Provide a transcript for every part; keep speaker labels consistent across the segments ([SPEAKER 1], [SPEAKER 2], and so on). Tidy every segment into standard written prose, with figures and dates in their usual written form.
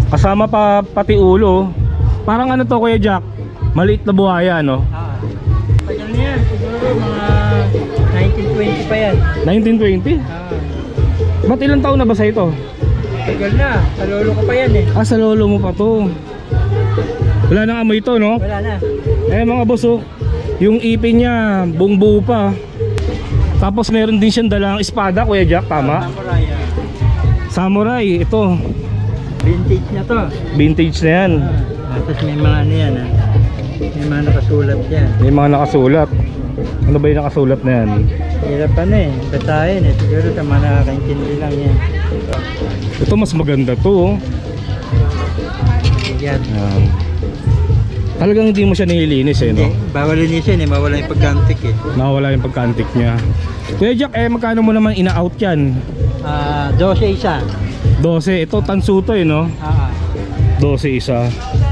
[SPEAKER 1] Kasama pa pati ulo. Parang ano to Kuya Jack? Maliit na buhaya no?
[SPEAKER 2] Tagal na yan, siguro mga 1920 pa yan.
[SPEAKER 1] 1920? Ba't ilang taon na ba sa ito?
[SPEAKER 2] Tagal na, sa lolo ko pa yan eh.
[SPEAKER 1] Ah, sa lolo mo pa to. Wala nang amoy ito no?
[SPEAKER 2] Wala na.
[SPEAKER 1] Eh mga boss oh, yung ipin niya buong buo pa. Tapos meron din siyang dalang espada Kuya Jack, tama?
[SPEAKER 2] Samurai.
[SPEAKER 1] Samurai, ito.
[SPEAKER 2] Vintage na to.
[SPEAKER 1] Vintage na yan.
[SPEAKER 2] Tapos may mga ano yan may mga nakasulat yan.
[SPEAKER 1] May mga nakasulat. Ano ba yung nakasulat na yan?
[SPEAKER 2] Hirap pa na eh, basahin eh. Siguro sa mga nakakaintindi lang yan.
[SPEAKER 1] Ito mas maganda to oh.
[SPEAKER 2] Yan.
[SPEAKER 1] Yan. Talagang hindi mo siya nililinis eh no?
[SPEAKER 2] Bawal linisin eh, mawala yung pagkantik eh.
[SPEAKER 1] Nawala yung pagka-antique niya. Kuya Jack, magkano mo naman ina-out yan?
[SPEAKER 2] 12 isa.
[SPEAKER 1] 12, ito tansu to eh no? 12 isa.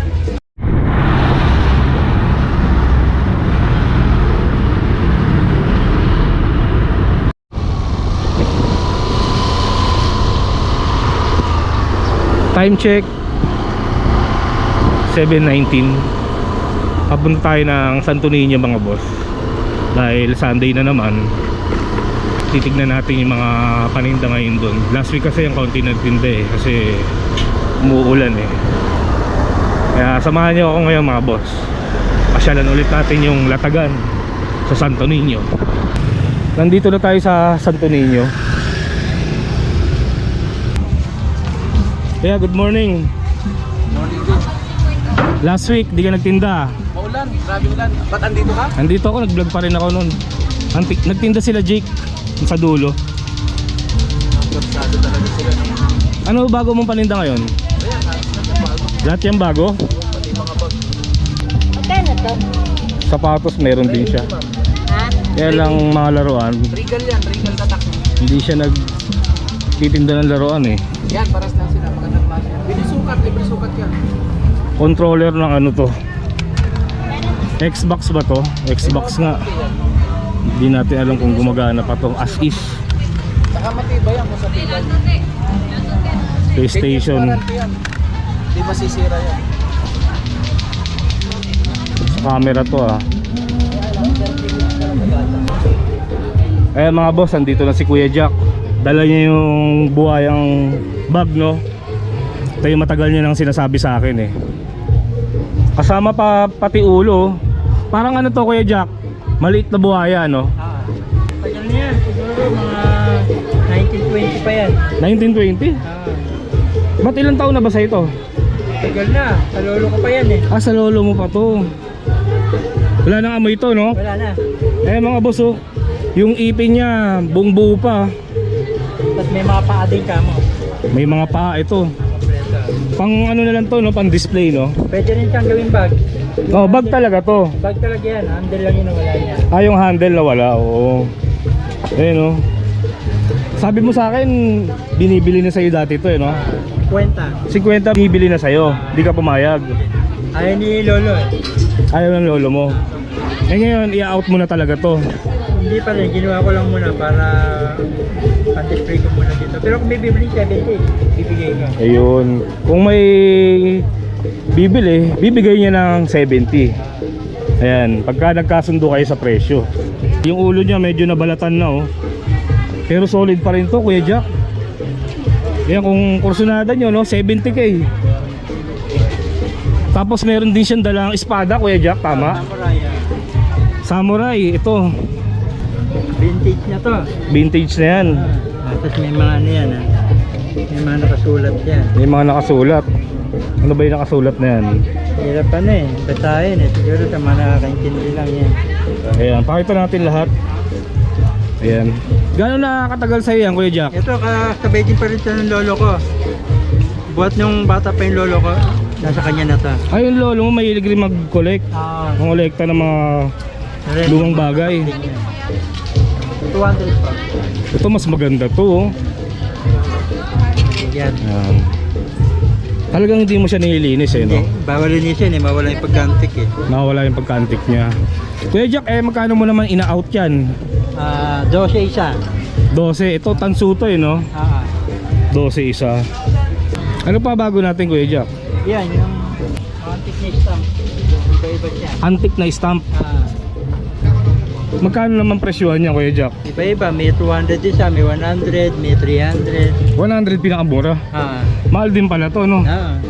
[SPEAKER 1] Time check 7:19. Papunta tayo ng Santo Niño mga boss. Dahil Sunday na naman. Titignan natin yung mga paninda ngayon doon. Last week kasi yung kaunti nagtinda eh, kasi umuulan eh. Kaya samahan niyo ako ngayon mga boss. Pasyalan ulit natin yung latagan sa Santo Niño. Nandito na tayo sa Santo Niño. Kaya good morning.
[SPEAKER 2] Morning din.
[SPEAKER 1] Last week di ka nagtinda.
[SPEAKER 2] Maulan, grabe ulan. Ba't andito ka?
[SPEAKER 1] Andito ako, nag-vlog pa rin ako noon. Nagtinda sila Jake sa dulo.
[SPEAKER 2] Korsado talaga sila.
[SPEAKER 1] Ano bago mong paninda ngayon?
[SPEAKER 2] Ayan, bago.
[SPEAKER 1] Lahat yan bago?
[SPEAKER 2] Pati mga bag.
[SPEAKER 3] Magkano to?
[SPEAKER 1] Sapatos meron din siya.
[SPEAKER 3] Ha?
[SPEAKER 1] Kaya lang mga laruan,
[SPEAKER 2] Regal yan, regal tatak.
[SPEAKER 1] hindi siya nagtitinda ng laruan eh.
[SPEAKER 2] Yan, paras lang sila, magandang klase. Binisukat, libre sukat yan.
[SPEAKER 1] Controller ng ano to? Xbox ba to? Xbox nga. Hindi natin alam kung gumagana pa to. As is.
[SPEAKER 2] Saka matibay yan, sa tibay.
[SPEAKER 1] PlayStation.
[SPEAKER 2] Hindi masisira yan.
[SPEAKER 1] Sa camera to ah. Eh mga boss, andito na si Kuya Jack. Dala niya yung buhayang bag no. Ito yung matagal niya nang sinasabi sa akin eh. Kasama pa pati ulo. Parang ano to Kuya Jack? Maliit na buhaya no?
[SPEAKER 2] Tagal na yan, siguro mga 1920 pa yan.
[SPEAKER 1] 1920? Ba't ilang taon na ba sa ito?
[SPEAKER 2] Tagal na, sa lolo ko pa yan eh.
[SPEAKER 1] Ah, sa lolo mo pa to. Wala nang amoy ito no?
[SPEAKER 2] Wala na.
[SPEAKER 1] Eh mga boss oh, yung ipin niya buong buo pa.
[SPEAKER 2] Tapos may mga paa din ka mo.
[SPEAKER 1] May mga paa ito.
[SPEAKER 2] Kompleto.
[SPEAKER 1] Pang ano na lang to no, pang display no.
[SPEAKER 2] Pwede rin siyang gawing bag.
[SPEAKER 1] Oh, bag talaga to.
[SPEAKER 2] Bag talaga yan, handle lang yun na wala niya.
[SPEAKER 1] Ah, yung handle na wala. Oo. Ayun no. Sabi mo sa akin, binibili na sa'yo dati to eh no.
[SPEAKER 2] Kwenta.
[SPEAKER 1] 50 binibili na sa'yo. Di ka pumayag.
[SPEAKER 2] Ayaw ni lolo eh.
[SPEAKER 1] Ayaw ng lolo mo. Eh ngayon, i-out mo na talaga to.
[SPEAKER 2] Hindi pa rin, ginawa ko lang muna para anti-spray ko muna dito. Pero kung may bibili 70, bibigay ko.
[SPEAKER 1] Ayun. Kung may bibili, bibigay niya ng 70. Ayan, pagka nagkasundo kayo sa presyo. Yung ulo niya medyo nabalatan na oh. Pero solid pa rin to Kuya Jack. Ayan, kung kursunada nyo no, 70k. Tapos meron din siyang dalang espada Kuya Jack, tama?
[SPEAKER 2] Samurai.
[SPEAKER 1] Samurai, ito.
[SPEAKER 2] Vintage na to.
[SPEAKER 1] Vintage na yan.
[SPEAKER 2] Tapos may mga ano yan may mga nakasulat yan.
[SPEAKER 1] May mga nakasulat. Ano ba yung nakasulat na yan?
[SPEAKER 2] Hirap pa na eh, basahin eh. Siguro sa mga nakakaintindi lang yan.
[SPEAKER 1] Ayan, pakita natin lahat. Ayan. Gano'n nakakatagal sa'yo yan Kuya Jack?
[SPEAKER 2] Ito, kasabay din pa rin siya ng lolo ko. Buhat nung bata pa yung lolo ko, nasa kanya na to.
[SPEAKER 1] Ay, yung lolo mo mahilig rin mag-collect. Mangolekta ng mga lumang bagay.
[SPEAKER 2] 200 pa.
[SPEAKER 1] Ito mas maganda to oh.
[SPEAKER 2] Yan.
[SPEAKER 1] Ayan. Talagang hindi mo siya nililinis eh no?
[SPEAKER 2] Bawal linisin eh, mawala yung pagkantik eh.
[SPEAKER 1] Nawala yung pagka-antique niya. Kuya Jack, magkano mo naman ina-out yan?
[SPEAKER 2] 12 isa.
[SPEAKER 1] 12, ito tansu to eh no? 12 isa. Ano pa bago natin, Kuya Jack?
[SPEAKER 2] Yan, yung antique na stamp. Iba-iba siya.
[SPEAKER 1] Antique na stamp. Magkano naman presyuhan niya, Kuya Jack?
[SPEAKER 2] Iba-iba, may 200 isa, may 100, may 300.
[SPEAKER 1] 100 pinakamura. Mahal din pala to, no?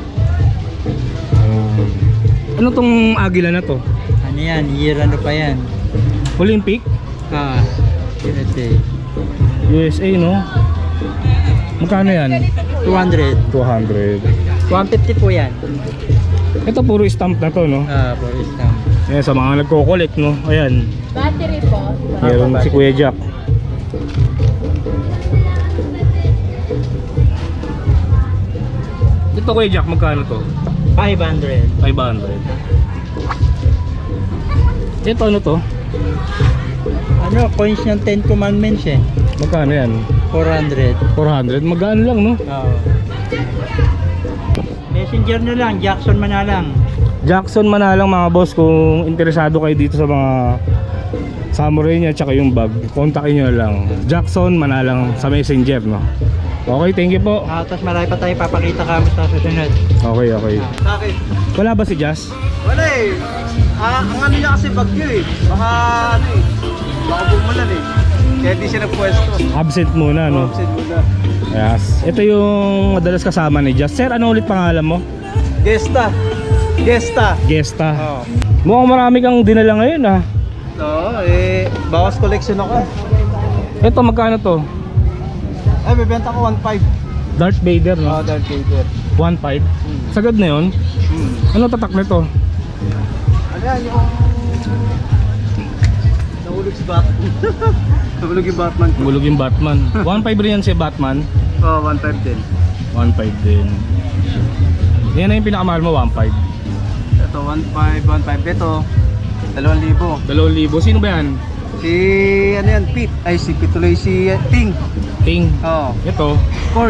[SPEAKER 1] Ano tong agila na to?
[SPEAKER 2] Ano yan, year ano pa yan?
[SPEAKER 1] Olympic?
[SPEAKER 2] USA.
[SPEAKER 1] USA, no? Magkano yan?
[SPEAKER 2] 200.
[SPEAKER 1] 200.
[SPEAKER 2] 150 po yan.
[SPEAKER 1] Ito puro stamp na to, no?
[SPEAKER 2] For stamp.
[SPEAKER 1] Ayan, sa mga nagko-collect, no? Ayan,
[SPEAKER 3] Battery po.
[SPEAKER 1] meron si Kuya Jack. Ito, Kuya Jack, magkano to?
[SPEAKER 2] 500.
[SPEAKER 1] 500. Ito, ano to?
[SPEAKER 2] Ano, coins ng 10 commandments eh.
[SPEAKER 1] Magkano yan?
[SPEAKER 2] 400.
[SPEAKER 1] 400? Magkano lang, no?
[SPEAKER 2] Messenger na lang, Jackson Manalang.
[SPEAKER 1] Jackson Manalang, mga boss, kung interesado kayo dito sa mga samurai niya tsaka yung bag, kontakin nyo na lang Jackson Manalang sa Messenger, no? Okay, thank you po.
[SPEAKER 2] Tapos marami pa tayo papakita kami sa susunod.
[SPEAKER 1] Okay, okay.
[SPEAKER 4] Bakit?
[SPEAKER 1] Wala ba si Jazz?
[SPEAKER 4] Wala eh. Ang ano niya kasi bagyo eh. Baka ano eh. Baka bumulan eh. Kaya di siya nagpwesto.
[SPEAKER 1] Absent muna, no?
[SPEAKER 4] Opposite muna.
[SPEAKER 1] Yes. Ito yung madalas kasama ni Jazz. Sir, ano ulit pangalan mo?
[SPEAKER 4] Gesta. Gesta.
[SPEAKER 1] Gesta.
[SPEAKER 4] Oo.
[SPEAKER 1] Mukhang marami kang dinala ngayon, ah.
[SPEAKER 4] Oo, eh. Bawas collection ako.
[SPEAKER 1] Ito, magkano to?
[SPEAKER 4] Ay, bibenta ko 1.5.
[SPEAKER 1] Darth Vader, no?
[SPEAKER 4] Oo, Darth Vader.
[SPEAKER 1] 1.5. Sagad na yun? Ano tatak nito?
[SPEAKER 4] Ano yan, yung... Nahulog si Batman. Nahulog yung Batman ko.
[SPEAKER 1] Bulog yung Batman. 1.5 rin yan si Batman.
[SPEAKER 4] Oo, 1.5 din.
[SPEAKER 1] 1.5 din. Yan na yung pinakamahal mo, 1.5.
[SPEAKER 4] Ito, 1.5. Ito, 2,000.
[SPEAKER 1] 2,000. Sino ba yan?
[SPEAKER 4] Si, ano yan, Pete. Ay, si Pete tuloy, si Ting.
[SPEAKER 1] Ting.
[SPEAKER 4] Oo.
[SPEAKER 1] Ito.
[SPEAKER 4] Ford.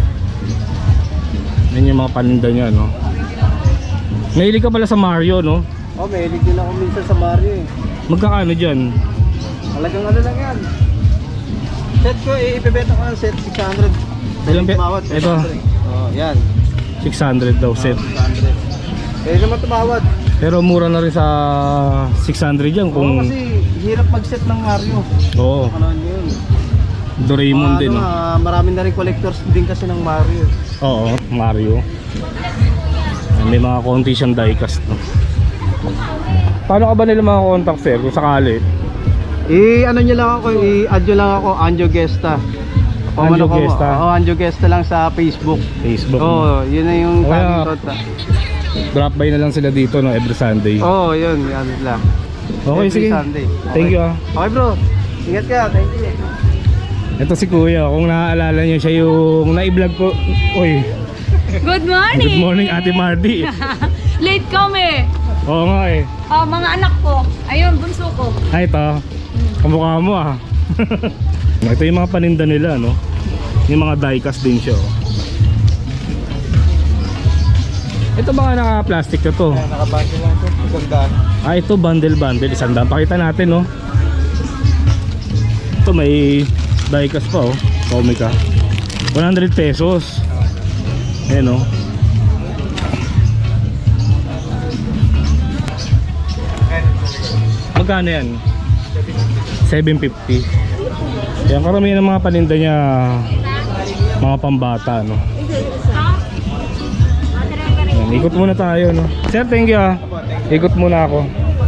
[SPEAKER 1] Yan yung mga paninda niya, no? Mahilig ka pala sa Mario, no?
[SPEAKER 4] Oh, mahilig din ako minsan sa Mario eh.
[SPEAKER 1] Magkakano dyan?
[SPEAKER 4] Talagang ano lang yan. Set ko, ibebenta ko ng set 600.
[SPEAKER 1] Ilang
[SPEAKER 4] Tumawad,
[SPEAKER 1] ito?
[SPEAKER 4] Oh, yan.
[SPEAKER 1] 600 daw set.
[SPEAKER 4] 600. Pwede naman tumawad.
[SPEAKER 1] Pero mura na rin sa 600 yan
[SPEAKER 4] Oo,
[SPEAKER 1] kung...
[SPEAKER 4] kasi hirap mag-set ng Mario.
[SPEAKER 1] Oo.
[SPEAKER 4] Ano yun?
[SPEAKER 1] Doraemon din, no?
[SPEAKER 4] Marami na rin collectors din kasi ng Mario.
[SPEAKER 1] Oo, Mario. May mga konti siyang diecast, no? Paano ka ba nila mga contact, sir? Kung sakali?
[SPEAKER 4] Ano nyo lang ako, i-add nyo lang ako, Anjo Gesta.
[SPEAKER 1] Anjo Gesta?
[SPEAKER 4] Oo, Anjo Gesta lang sa Facebook.
[SPEAKER 1] Facebook.
[SPEAKER 4] Oo, yun na yung
[SPEAKER 1] Kaya-
[SPEAKER 4] taging contact.
[SPEAKER 1] Drop by na lang sila dito, no? Every Sunday.
[SPEAKER 4] Oo, yun, yan lang.
[SPEAKER 1] Okay,
[SPEAKER 4] Every
[SPEAKER 1] sige.
[SPEAKER 4] Sunday.
[SPEAKER 1] Thank you, ah.
[SPEAKER 4] Okay bro, ingat ka, thank you.
[SPEAKER 1] Ito si Kuya, kung naaalala niyo siya yung na-vlog ko. Uy,
[SPEAKER 3] Good morning!
[SPEAKER 1] good morning Ate Mardy.
[SPEAKER 3] Late kami!
[SPEAKER 1] Oo nga eh.
[SPEAKER 3] Mga anak ko. Ayun, bunso ko.
[SPEAKER 1] Ay, ito. Kamukha mo, ah. Ito yung mga paninda nila, no? Yung mga diecast din siya, oh. Ito ba naka-plastic na to?
[SPEAKER 4] Nakabasa lang ito, magandaan.
[SPEAKER 1] Ah, ito bundle. 100. Pakita natin, no? Ito may diecast pa, oh. Comica. 100 pesos. Ayan, oh. Magkano yan? 750. Yan, karamihan ng mga paninda niya mga pambata, no? Yan, ikot muna tayo, no? Sir, thank you, ah. Ikot muna ako.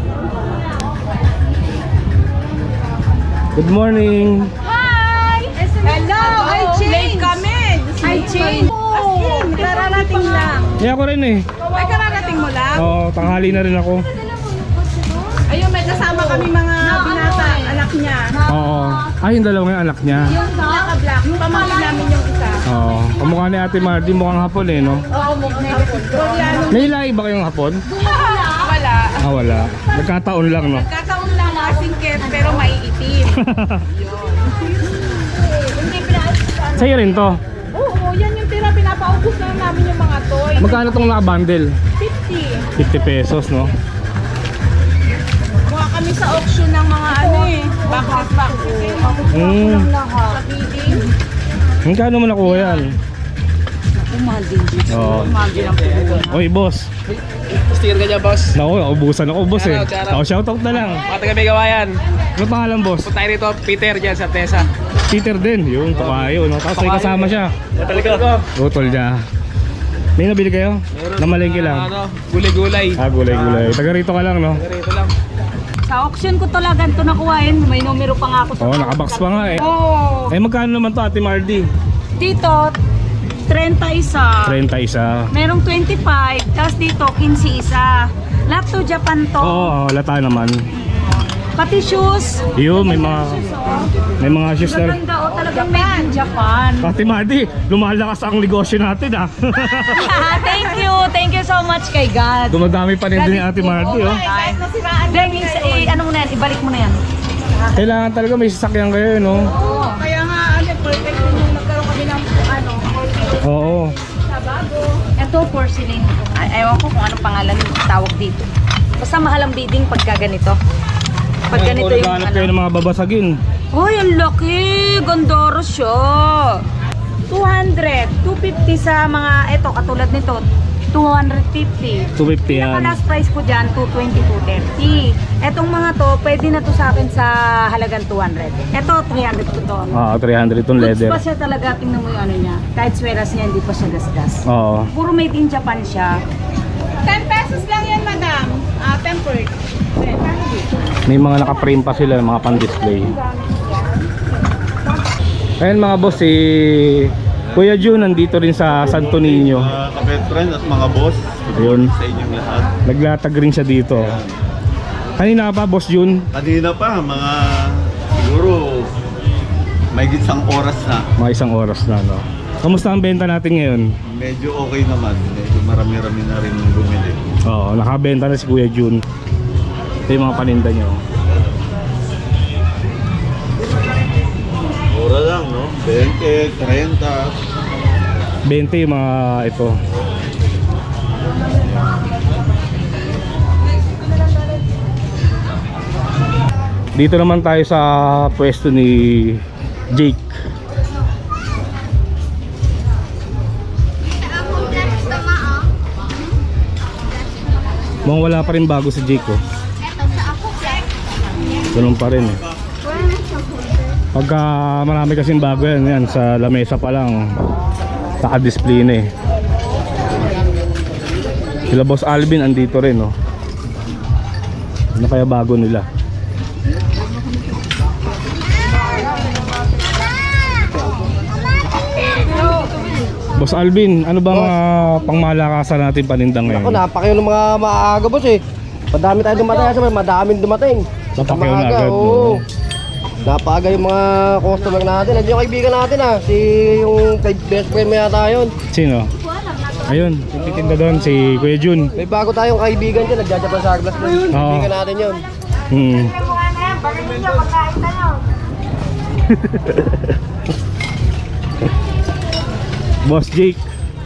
[SPEAKER 1] Good morning.
[SPEAKER 3] Hi! Hello! I changed! Late kami! I changed! Kararating lang.
[SPEAKER 1] Yeah, ako rin eh.
[SPEAKER 3] Ay, kararating mo lang?
[SPEAKER 1] Oo, tanghali na rin ako.
[SPEAKER 3] Ayun, may kasama kami mga binata, anak niya.
[SPEAKER 1] Oo. Ay, yung dalawa yung anak niya.
[SPEAKER 3] Yung naka-black, yung pamangkin namin yung isa.
[SPEAKER 1] Oo. Kamukha ni Ate Mardy, mukhang hapon eh, no?
[SPEAKER 3] Oo, Koreano.
[SPEAKER 1] May lahi ba kayong hapon?
[SPEAKER 3] Wala.
[SPEAKER 1] Ah, wala. Nagkataon lang, no?
[SPEAKER 3] Kakaon lang mga singket, pero maiitim.
[SPEAKER 1] Sa'yo rin to.
[SPEAKER 3] Oo, yan yung tira, pinapaubos na namin yung mga toy.
[SPEAKER 1] Magkano tong naka-bundle?
[SPEAKER 3] 50.
[SPEAKER 1] 50 pesos, no?
[SPEAKER 3] Kuha kami sa auction ng mga ano eh, boxes.
[SPEAKER 1] Hmm.
[SPEAKER 3] Sa bidding.
[SPEAKER 1] Magkano mo nakuha yan?
[SPEAKER 3] Umahal din dito.
[SPEAKER 1] Oo.
[SPEAKER 3] Umahal din ang puno.
[SPEAKER 1] Oy, boss.
[SPEAKER 4] Sticker ka dyan, boss.
[SPEAKER 1] Naku, naubusan ako, boss eh.
[SPEAKER 4] Shoutout, shoutout.
[SPEAKER 1] Ako, shoutout na lang.
[SPEAKER 4] Mga taga-Bigawayan.
[SPEAKER 1] Ano pangalan, boss?
[SPEAKER 4] Punta tayo rito, Peter dyan sa Tesa.
[SPEAKER 1] Peter din. Yung tukayo, no? Tapos may kasama siya.
[SPEAKER 4] Matali ka.
[SPEAKER 1] Utol niya. May nabili kayo? Namalengke lang.
[SPEAKER 4] Ano, gulay-gulay.
[SPEAKER 1] Ah, gulay-gulay. Taga rito ka lang, no?
[SPEAKER 4] Rito lang.
[SPEAKER 3] Sa auction ko talaga ito nakuhain. May numero pa nga ako sa
[SPEAKER 1] Oo, nakabox pa nga eh.
[SPEAKER 3] Oo.
[SPEAKER 1] Eh, magkano naman to, Ate Mardy?
[SPEAKER 3] Dito, 30 isa.
[SPEAKER 1] 30 isa.
[SPEAKER 3] Merong 25. Tapos dito, 15 isa. Lahat to Japan to.
[SPEAKER 1] Oo, lata naman.
[SPEAKER 3] Pati shoes.
[SPEAKER 1] Yun, may mga shoes na.
[SPEAKER 3] Maganda o talagang made in Japan.
[SPEAKER 1] Ate Mardy, lumalakas ang negosyo natin ah.
[SPEAKER 3] Thank you so much kay God.
[SPEAKER 1] Dumadami pa rin din ni Ate Mardy oh.
[SPEAKER 3] Then, ano mo na yan, ibalik mo na yan.
[SPEAKER 1] Kailangan talaga may sasakyan kayo, no?
[SPEAKER 3] Kaya nga, perfect din yung nagkaroon kami ng
[SPEAKER 1] Oo.
[SPEAKER 3] Ito, porcelain. Ewan ko kung anong pangalan yung tawag dito. Basta mahal ang bidding pagka ganito. Pag ganito yung
[SPEAKER 1] Naghahanap kayo ng mga babasagin.
[SPEAKER 3] Uy, ang laki! Gandoro siya! 200, 250 sa mga, eto, katulad nito, 250.
[SPEAKER 1] 250 yan.
[SPEAKER 3] Pinaka last price ko dyan, 220, 230. Etong mga to, pwede na to sa akin sa halagang 200. Eto, 300 ko to.
[SPEAKER 1] Oo, 300 itong
[SPEAKER 3] Goods
[SPEAKER 1] leather.
[SPEAKER 3] pa siya talaga, tingnan mo yung ano niya. Kahit sweras niya, hindi pa siya gasgas.
[SPEAKER 1] Oo.
[SPEAKER 3] Puro made in Japan siya.
[SPEAKER 5] 10 pesos lang yan, madam. Tempered.
[SPEAKER 1] May mga naka-frame pa sila, mga pan-display. Ayan mga boss, si Kuya Jun nandito rin sa Santo Niño.
[SPEAKER 6] Mga kapet friend at mga boss,
[SPEAKER 1] Ayun.
[SPEAKER 6] sa inyong lahat.
[SPEAKER 1] Naglatag rin siya dito. Kanina pa, Boss Jun?
[SPEAKER 6] Kanina pa, mga siguro may isang oras na.
[SPEAKER 1] Mga isang oras na, no? Kamusta ang benta natin ngayon?
[SPEAKER 6] Medyo okay naman. Medyo marami-rami na rin bumili.
[SPEAKER 1] Oo, nakabenta na si Kuya Jun. Ito yung mga paninda nyo.
[SPEAKER 6] Mura lang, no? 20, 30.
[SPEAKER 1] 20 yung mga ito. Dito naman tayo sa pwesto ni Jake. Mukhang wala pa rin bago si Jake oh. Ganun pa rin eh. Pagka marami kasing bago yan sa lamesa pa lang naka-display na eh. Sila Boss Alvin andito rin oh. Ano kaya bago nila? Boss Alvin, ano ba mga pangmalakasan natin panindang
[SPEAKER 7] Ako,
[SPEAKER 1] ngayon?
[SPEAKER 7] napakayo ng mga maaga boss eh. Madami tayo dumating, sabi, madaming dumating.
[SPEAKER 1] Napakayo na
[SPEAKER 7] Maaga,
[SPEAKER 1] agad, no?
[SPEAKER 7] oo. Napaaga yung mga customer natin. Nandiyan yung kaibigan natin ah. Yung best friend mo yata yun.
[SPEAKER 1] Sino? Ayun, yung titinda doon, si Kuya Jun.
[SPEAKER 7] May bago tayong kaibigan dyan. Nagjajapan sa glass doon.
[SPEAKER 1] Oo.
[SPEAKER 7] Kaibigan natin yun.
[SPEAKER 1] Hmm. Boss Jake.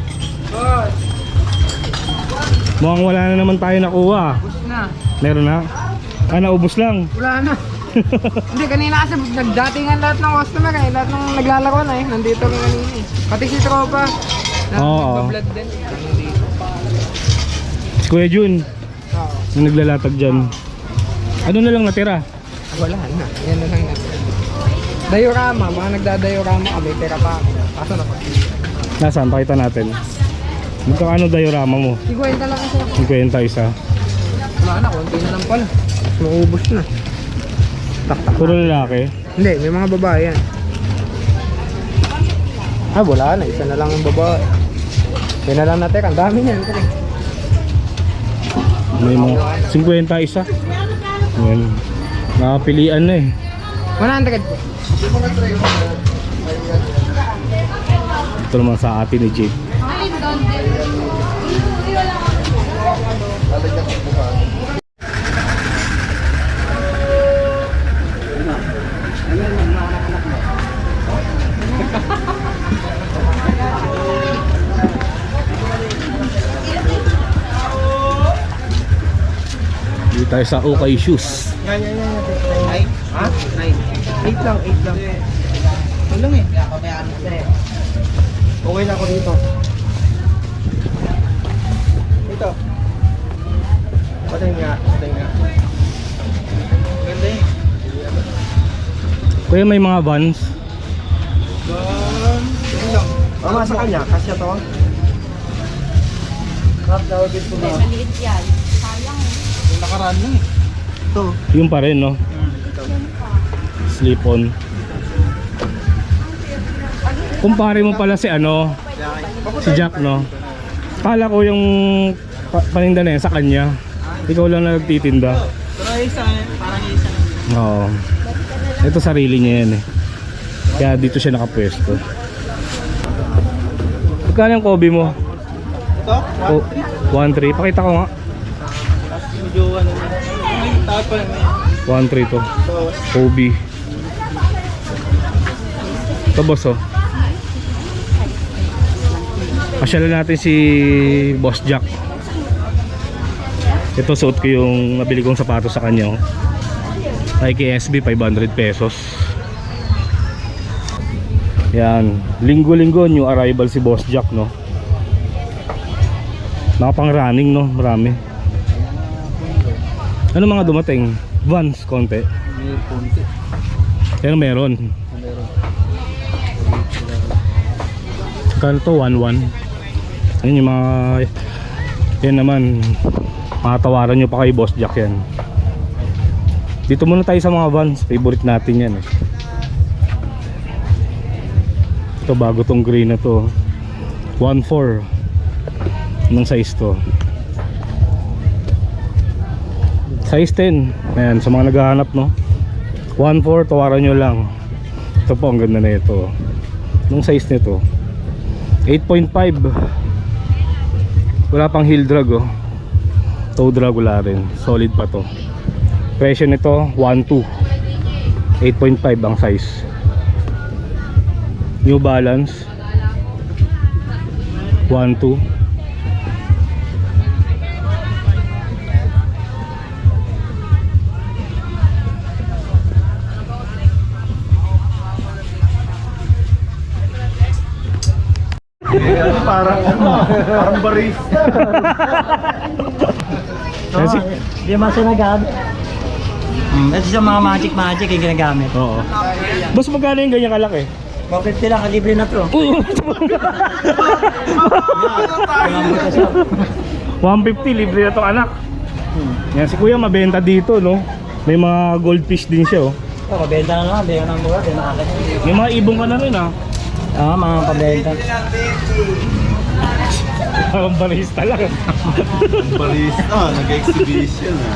[SPEAKER 1] Mukhang wala na naman tayo nakuha.
[SPEAKER 2] Na,
[SPEAKER 1] Meron na? Ah, naubos lang.
[SPEAKER 2] wala na. Hindi, kanina kasi nagdatingan lahat ng customer eh. Lahat ng naglalaro na eh. Nandito kami kanina eh. Pati si Tropa.
[SPEAKER 1] Oo.
[SPEAKER 2] Nagbablog din.
[SPEAKER 1] Si Kuya Jun,
[SPEAKER 2] Oo.
[SPEAKER 1] yung naglalatag dyan. Ano na lang natira?
[SPEAKER 2] Wala na. Yan na lang natin. Diorama. Mga nagda-diorama kami. Pera pa ako. Kaso na
[SPEAKER 1] Nasaan? Pakita natin. Magkano diorama mo?
[SPEAKER 2] Iguwenta lang kasi ako.
[SPEAKER 1] 50 isa.
[SPEAKER 2] Wala na. Konti na lang pala. Maubos na.
[SPEAKER 1] Puro lalaki.
[SPEAKER 2] Hindi, may mga babae yan. Ah, wala na. Isa na lang ang babae. Isa na lang natin. Ang dami niyan.
[SPEAKER 1] May mga 50 isa. Yan. Nakapilian na eh.
[SPEAKER 2] 100 po.
[SPEAKER 1] Ito naman sa atin ni Jake. Dito tayo sa Okay Shoes.
[SPEAKER 2] Yan. Ha? 9. 8 lang. Walang eh. Okay na ako dito.
[SPEAKER 1] Kuya, may mga vans.
[SPEAKER 7] Mama sa kanya, kasya to.
[SPEAKER 3] Maliit yan. Sayang.
[SPEAKER 4] Nakaraan lang eh.
[SPEAKER 7] Ito.
[SPEAKER 1] Yung pa rin, no? Slip on. Kumpare mo pala si ano, si Jack, no? Kala ko yung paninda na yan sa kanya. Ikaw lang na nagtitinda.
[SPEAKER 4] Pero isa, parang isa.
[SPEAKER 1] Oo. Ito sarili niya yan eh. Kaya dito siya nakapwesto. Magkano yung Kobe mo?
[SPEAKER 4] Ito?
[SPEAKER 1] 1.3. Pakita ko nga.
[SPEAKER 4] Medyo ano na. Ay, tawad pa naman.
[SPEAKER 1] 1.3 to.
[SPEAKER 4] So,
[SPEAKER 1] Kobe. Ito boss oh. Pasyalan natin si Boss Jack. Ito suot ko yung nabili kong sapatos sa kanya oh. Nike SB 500 pesos. Yan, linggo-linggo new arrival si Boss Jack, no. Nakapang running, no, marami. Ano mga dumating? Vans konti.
[SPEAKER 4] may konti.
[SPEAKER 1] Pero meron. Kano to? 1.1. Ayun yung mga, yan naman, makatawaran nyo pa kay Boss Jack yan. Dito muna tayo sa mga Vans, favorite natin yan eh. Ito bago tong green na to, 1.4 ng size to, size 10. Ayan, sa mga naghahanap, no, 1.4, tawaran nyo lang. Ito po, ang ganda na ito. Nung size nito 8.5. Wala pang heel drag oh. Toe drag wala rin. Solid pa to. Presyo nito 1.2. 8.5 ang size. New Balance 1.2.
[SPEAKER 6] Parang barista.
[SPEAKER 1] Kasi,
[SPEAKER 8] Hindi naman sinagamit. Ito sa mga magic yung ginagamit.
[SPEAKER 1] oo. Boss, magkano yung ganyan kalaki?
[SPEAKER 8] 150 lang, kalibre na to.
[SPEAKER 1] 150 libre na tong anak. Yan si kuya mabenta dito, no. May mga goldfish din siya oh.
[SPEAKER 8] Pabenta na naman, bigyan ng mura, di nakakit.
[SPEAKER 1] May mga ibong ka na rin ah.
[SPEAKER 8] Oo, mga pabenta.
[SPEAKER 1] Parang barista lang.
[SPEAKER 6] Barista, nag-exhibition ah.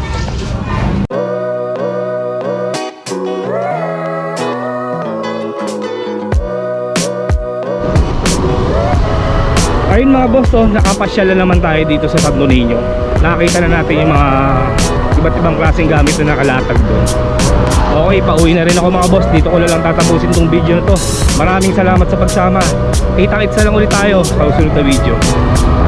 [SPEAKER 1] Ayun mga boss, oh, nakapasyal na naman tayo dito sa Santo Niño. Nakakita na natin yung mga iba't ibang klaseng gamit na nakalatag doon. Okay, pauwi na rin ako mga boss. Dito ko na lang tatapusin tong video na to. Maraming salamat sa pagsama. Kita-kits na lang ulit tayo sa susunod na video.